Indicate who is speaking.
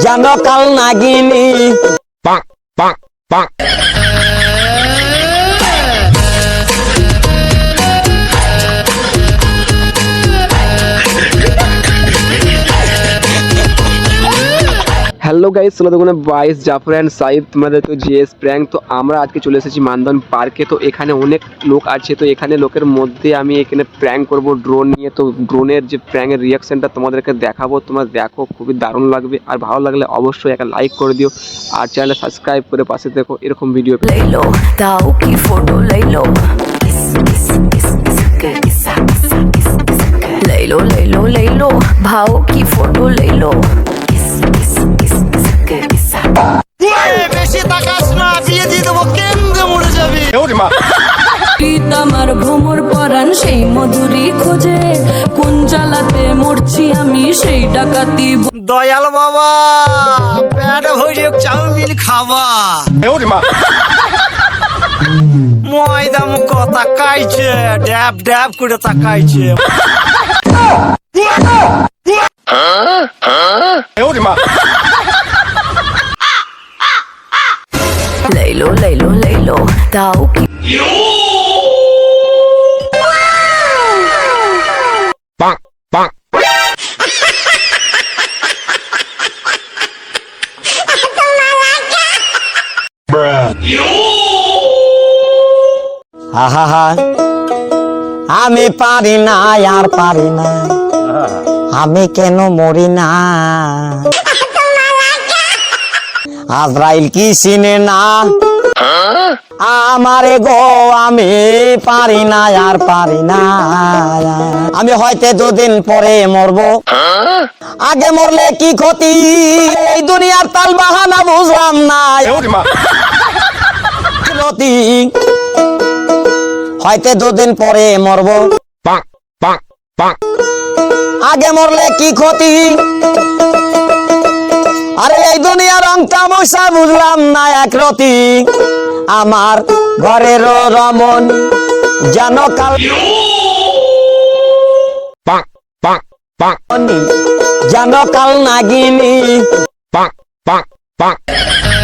Speaker 1: জানো কাল নাগিনী।
Speaker 2: হ্যালো গাইস, তোমরা দেখুন বাইস জাফর অ্যান্ড সাইদ, তোমাদের তো জিএস প্র্যাঙ্ক। তো আমরা আজকে চলে এসেছি মানদন পার্কে। তো এখানে অনেক লোক আছে, তো এখানে লোকের মধ্যে আমি এখানে প্র্যাঙ্ক করব ড্রোন নিয়ে। তো ড্রোনের যে প্র্যাঙ্কের রিয়াকশনটা তোমাদেরকে দেখাবো, তোমরা দেখো, খুবই দারুণ লাগবে। আর ভালো লাগলে অবশ্যই একটা লাইক করে দিও, আর চ্যানেলে সাবস্ক্রাইব করে পাশে দেখো এরকম ভিডিও।
Speaker 3: লেলো তাও কি ফটো লেলো, লেলো লেলো লেলো ভাও কি ফটো লেলো।
Speaker 4: বেশি তাকাস না, বিয়ে দিয়ে দেবো, কেন্দ্রে মরে যাবি।
Speaker 3: আমার ভ্রমর পরাণ সেই মধুরী খোঁজে, কোন জ্বালাতে মরছি আমি সেই ডাকাতি।
Speaker 4: দয়াল বাবা, প্যাট ভরে চাউমিন খাবা। ময়দা মুখ তাকাইছে, ড্যাব ড্যাব করে তাকাইছে।
Speaker 3: লেলো লেলো লেলো তাও কি
Speaker 1: আহা আমি পারি না, আর পারি না, আমি কেন মরি না। আজরাইল কি চিনে না আমারে গো, আমি পারি না, আর পারি না। আমি হয়তো দুদিন পরে মরবো, আগে মরলে কি ক্ষতি, এই দুনিয়ার তাল বাহানা বুঝলাম না। হয়তো দুদিন পরে মরবো, আগে মরলে কি ক্ষতি, আরে এই দুনিয়ার রং তামাশা বুঝলাম না একরতি। আমার ঘরের রমন জানো কাল জানো কাল নাগিনী।